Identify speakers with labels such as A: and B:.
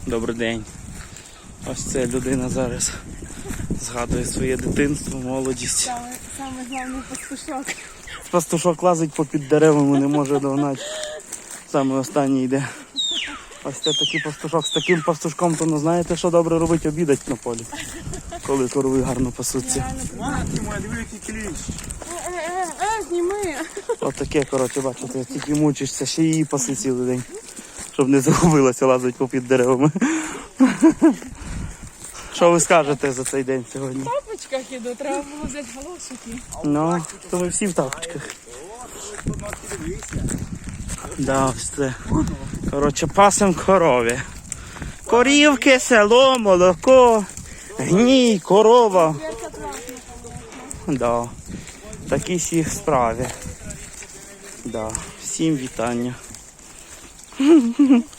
A: Добрий день. Ось ця людина зараз згадує своє дитинство, молодість.
B: Саме головний пастушок.
A: Пастушок лазить попід деревами, не може догнати. Саме останній йде. Ось це такий пастушок. З таким пастушком, то ну знаєте, що добре робить? Обідать на полі. Коли корови гарно пасуться.
B: Матки моя, диви, який кліщ. Зніми.
A: Ось таке, коротше, бачите, тільки мучишся, ще її паси цілий день. Щоб не загубилася, лазить попід деревами. Що ви скажете за цей день сьогодні?
B: В тапочках іду, треба було взяти галошики.
A: Ну, то ми всі в тапочках. Да, ось це. Коротше, пасем корові. Корівки, село, молоко, гній, корова. Да. Такі всі справи. Да. Всім вітання.